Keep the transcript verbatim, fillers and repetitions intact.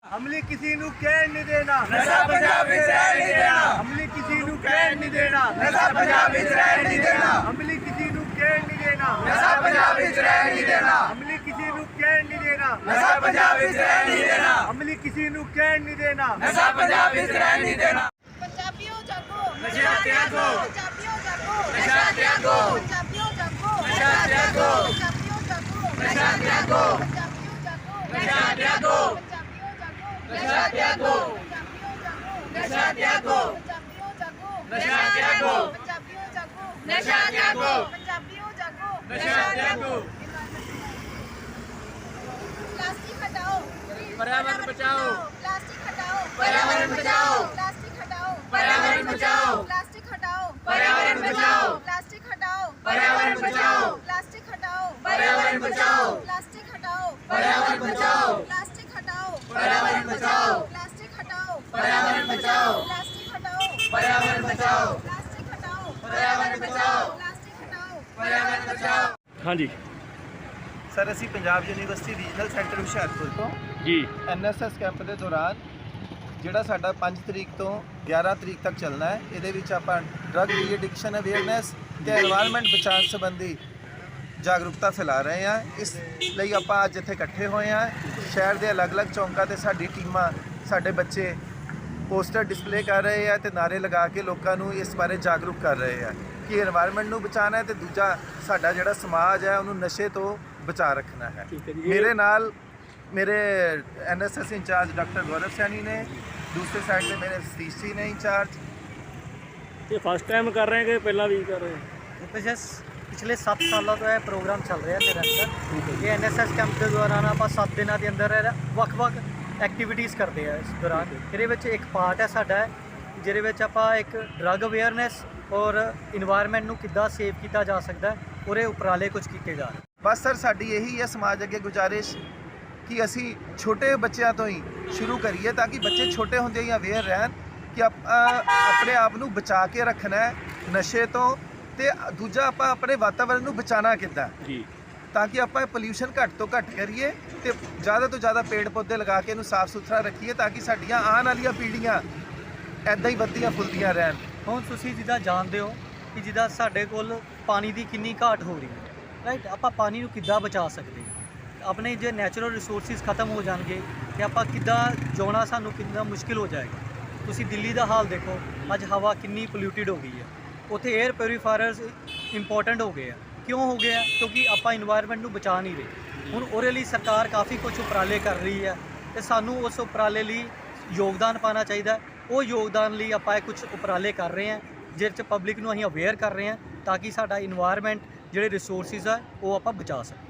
ਅਮਲੀ ਕਿਸੇ ਨੂੰ ਕਹਿਣ ਨਹੀਂ ਦੇਣਾ, ਨਸ਼ਾ ਪੰਜਾਬ ਵਿੱਚ ਰਹਿਣ ਨਹੀਂ ਦੇਣਾ। ਅਮਲੀ ਕਿਸੇ ਨੂੰ ਕਹਿਣ ਨਹੀਂ ਦੇਣਾ, ਨਸ਼ਾ ਪੰਜਾਬ ਵਿੱਚ ਰਹਿਣ ਨਹੀਂ ਦੇਣਾ। ਅਮਲੀ ਕਿਸੇ ਨੂੰ ਕਹਿਣ ਨਹੀਂ ਦੇਣਾ, ਨਸ਼ਾ ਪੰਜਾਬ ਵਿੱਚ ਰਹਿਣ ਨਹੀਂ ਦੇਣਾ। ਅਮਲੀ ਕਿਸੇ ਨੂੰ ਕਹਿਣ ਨਹੀਂ ਦੇਣਾ, ਨਸ਼ਾ ਪੰਜਾਬ ਵਿੱਚ ਰਹਿਣ ਨਹੀਂ ਦੇਣਾ। ਅਮਲੀ ਕਿਸੇ ਨੂੰ ਕਹਿਣ ਨਹੀਂ ਦੇਣਾ, ਨਸ਼ਾ ਪੰਜਾਬ ਵਿੱਚ ਰਹਿਣ ਨਹੀਂ ਦੇਣਾ। ਪੰਜਾਬੀਓ ਜਾਗੋ, ਨਸ਼ਾ ਤਿਆਗੋ। ਪੰਜਾਬੀਓ ਜਾਗੋ, ਨਸ਼ਾ ਤਿਆਗੋ। ਪੰਜਾਬੀਓ ਜਾਗੋ, ਨਸ਼ਾ ਤਿਆਗੋ। ਪੰਜਾਬੀਓ ਜਾਗੋ, ਨਸ਼ਾ ਤਿਆਗੋ। ਪੰਜਾਬੀਓ ਜਾਗੋ, ਨਸ਼ਾ ਤਿਆਗੋ। ਪੰਜਾਬੀਓ ਜਾਗੋ, ਨਸ਼ਾ ਤਿਆਗੋ। ਨਸ਼ਾ ਤਿਆਗੋ। ਨਸ਼ਾ ਤਿਆਗੋ। ਪੰਜਾਬੀਓ ਜਾਗੋ, ਨਸ਼ਾ ਤਿਆਗੋ। ਪੰਜਾਬੀਓ ਜਾਗੋ, ਪੰਜਾਬੀਓ ਜਾਗੋ, ਨਸ਼ਾ ਤਿਆਗੋ। प्लास्टिक हटाओ, पर्यावरण बचाओ। प्लास्टिक हटाओ, पर्यावरण बचाओ। प्लास्टिक हटाओ, पर्यावरण बचाओ। प्लास्टिक हटाओ, पर्यावरण बचाओ। प्लास्टिक हटाओ, पर्यावरण बचाओ। प्लास्टिक हटाओ, पर्यावरण बचाओ। प्लास्टिक हटाओ, पर्यावरण बचाओ। प्लास्टिक हटाओ, पर्यावरण बचाओ। प्लास्टिक हटाओ, पर्यावरण बचाओ। प्लास्टिक हटाओ, पर्यावरण बचाओ। प्लास्टिक हटाओ, पर्यावरण बचाओ। प्लास्टिक हटाओ, पर्यावरण बचाओ। हाँ जी ਸਰ ਅਸੀਂ Punjab university regional centre Hoshiarpur ਤੋਂ जी ਐਨ ਐਸ ਐਸ ਕੈਂਪ ਦੇ ਦੌਰਾਨ ਜਿਹੜਾ ਸਾਡਾ ਪੰਜ ਤਰੀਕ ਤੋਂ ਗਿਆਰਾਂ ਤਰੀਕ ਤੱਕ ਚੱਲਣਾ ਹੈ, ਇਹਦੇ ਵਿੱਚ ਆਪਾਂ ਡਰੱਗ ਡੀ ਐਡਿਕਸ਼ਨ ਅਵੇਅਰਨੈਸ ਤੇ এনवायरमेंट ਬਚਾਉਣ ਸੰਬੰਧੀ ਜਾਗਰੂਕਤਾ ਫੈਲਾ ਰਹੇ ਹਾਂ। ਇਸ ਲਈ ਆਪਾਂ ਅੱਜ ਇੱਥੇ ਇਕੱਠੇ ਹੋਏ ਹਾਂ। ਸ਼ਹਿਰ ਦੇ ਅਲੱਗ-ਅਲੱਗ ਚੌਂਕਾਂ ਤੇ ਸਾਡੀ ਟੀਮਾਂ, ਸਾਡੇ ਬੱਚੇ ਪੋਸਟਰ ਡਿਸਪਲੇ ਕਰ ਰਹੇ ਆ ਤੇ ਨਾਰੇ ਲਗਾ ਕੇ ਲੋਕਾਂ ਨੂੰ ਇਸ ਬਾਰੇ ਜਾਗਰੂਕ ਕਰ ਰਹੇ ਆ ਕਿ এনवायरमेंट ਨੂੰ ਬਚਾਉਣਾ ਹੈ ਤੇ ਦੂਜਾ ਸਾਡਾ ਜਿਹੜਾ ਸਮਾਜ ਹੈ ਉਹਨੂੰ ਨਸ਼ੇ ਤੋਂ ਬਚਾ ਰੱਖਣਾ ਹੈ। ਮੇਰੇ ਨਾਲ ਮੇਰੇ N S S incharge doctor Gaurav Saini ਨੇ, ਦੂਸਰੇ ਸਾਈਡ ਤੇ ਮੇਰੇ ਸਤੀਸ਼ ਜੀ ਨੇ ਇੰਚਾਰਜ। ये फर्स्ट टाइम कर रहे हैं कि पहला भी कर रहे हैं? ਪਿਛਲੇ ਸੱਤ ਸਾਲਾਂ ਤੋਂ ਇਹ ਪ੍ਰੋਗਰਾਮ ਚੱਲ ਰਿਹਾ ਨਿਰੰਤਰ। ਇਹ ਐਨ ਐਸ ਐਸ ਕੈਂਪ ਦੇ ਦੌਰਾਨ ਆਪਾਂ ਸੱਤ ਦਿਨਾਂ ਦੇ ਅੰਦਰ ਵੱਖ-ਵੱਖ ਐਕਟੀਵਿਟੀਜ਼ ਕਰਦੇ ਆ। ਇਸ ਦੌਰਾਨ ਇਹਦੇ ਵਿੱਚ ਇੱਕ ਪਾਰਟ ਹੈ ਸਾਡਾ ਜਿਹਦੇ ਵਿੱਚ ਆਪਾਂ ਇੱਕ ਡਰੱਗ ਅਵੇਅਰਨੈਸ ਔਰ এনवायरमेंट ਨੂੰ ਕਿੱਦਾਂ ਸੇਵ ਕੀਤਾ ਜਾ ਸਕਦਾ ਉਹਦੇ ਉਪਰਾਲੇ ਕੁਝ ਕੀਤੇ ਜਾ ਰਹੇ। ਬਸ ਸਰ ਸਾਡੀ ਇਹੀ ਹੈ ਸਮਾਜ ਅੱਗੇ ਗੁਜ਼ਾਰਿਸ਼ ਕਿ ਅਸੀਂ ਛੋਟੇ ਬੱਚਿਆਂ ਤੋਂ ਹੀ ਸ਼ੁਰੂ ਕਰੀਏ ਤਾਂ ਕਿ ਬੱਚੇ ਛੋਟੇ ਹੁੰਦੇ ਹੀ ਅਵੇਅਰ ਰਹਿਣ ਕਿ ਆਪਾਂ ਆਪਣੇ ਆਪ ਨੂੰ ਬਚਾ ਕੇ ਰੱਖਣਾ ਹੈ ਨਸ਼ੇ ਤੋਂ, ਤੇ ਦੂਜਾ ਆਪਾਂ ਆਪਣੇ ਵਾਤਾਵਰਣ ਨੂੰ ਬਚਾਉਣਾ ਕਿੱਦਾਂ जी ਤਾਂ ਕਿ ਆਪਾਂ ਪੋਲਿਊਸ਼ਨ ਘੱਟ ਤੋਂ ਘੱਟ ਕਰੀਏ ਤੇ ਜ਼ਿਆਦਾ ਤੋਂ ਜ਼ਿਆਦਾ ਪੇੜ ਪੌਦੇ ਲਗਾ ਕੇ ਇਹਨੂੰ ਸਾਫ਼ ਸੁਥਰਾ ਰੱਖੀਏ ਤਾਂ ਕਿ ਸਾਡੀਆਂ ਆਉਣ ਵਾਲੀਆਂ ਪੀੜ੍ਹੀਆਂ ਐਦਾਂ ਹੀ ਵੱਧਦੀਆਂ ਫੁੱਲਦੀਆਂ ਰਹਿਣ। ਹੁਣ ਤੁਸੀਂ ਜਿੱਦਾਂ ਜਾਣਦੇ ਹੋ ਕਿ ਜਿੱਦਾਂ ਸਾਡੇ ਕੋਲ ਪਾਣੀ ਦੀ ਕਿੰਨੀ ਘਾਟ ਹੋ ਰਹੀ ਹੈ, ਰਾਈਟ। ਆਪਾਂ ਪਾਣੀ ਨੂੰ ਕਿੱਦਾਂ ਬਚਾ ਸਕਦੇ ਹਾਂ? ਆਪਣੇ ਜੇ ਨੈਚੁਰਲ ਰਿਸੋਰਸਿਸ ਖਤਮ ਹੋ ਜਾਣਗੇ ਤੇ ਆਪਾਂ ਕਿੱਦਾਂ ਜਿਉਣਾ ਸਾਨੂੰ ਕਿੰਨਾ ਮੁਸ਼ਕਿਲ ਹੋ ਜਾਏਗਾ। ਤੁਸੀਂ ਦਿੱਲੀ ਦਾ ਹਾਲ ਦੇਖੋ, ਅੱਜ ਹਵਾ ਕਿੰਨੀ ਪੋਲਿਊਟਿਡ ਹੋ ਗਈ ਹੈ। ਉੱਥੇ 에ਅਰ ਪਿਊਰੀਫਾਇਰਸ ਇੰਪੋਰਟੈਂਟ ਹੋ ਗਏ ਆ। ਕਿਉਂ ਹੋ ਗਏ ਆ? ਕਿਉਂਕਿ ਆਪਾਂ এনवायरमेंट ਨੂੰ ਬਚਾ ਨਹੀਂ ਰਹੇ। ਹੁਣ ਉਹਦੇ ਲਈ ਸਰਕਾਰ ਕਾਫੀ ਕੁਝ ਉਪਰਾਲੇ ਕਰ ਰਹੀ ਹੈ ਤੇ ਸਾਨੂੰ ਉਸ ਉਪਰਾਲੇ ਲਈ ਯੋਗਦਾਨ ਪਾਉਣਾ ਚਾਹੀਦਾ। ਉਹ ਯੋਗਦਾਨ ਲਈ ਆਪਾਂ ਇਹ ਕੁਝ ਉਪਰਾਲੇ ਕਰ ਰਹੇ ਹਾਂ ਜਿਹਦੇ 'ਚ ਪਬਲਿਕ ਨੂੰ ਅਸੀਂ ਅਵੇਅਰ ਕਰ ਰਹੇ ਹਾਂ ਤਾਂ ਕਿ ਸਾਡਾ এনवायरमेंट ਜਿਹੜੇ ਰਿਸੋਰਸਿਸ ਆ ਉਹ ਆਪਾਂ ਬਚਾ ਸਕੀਏ।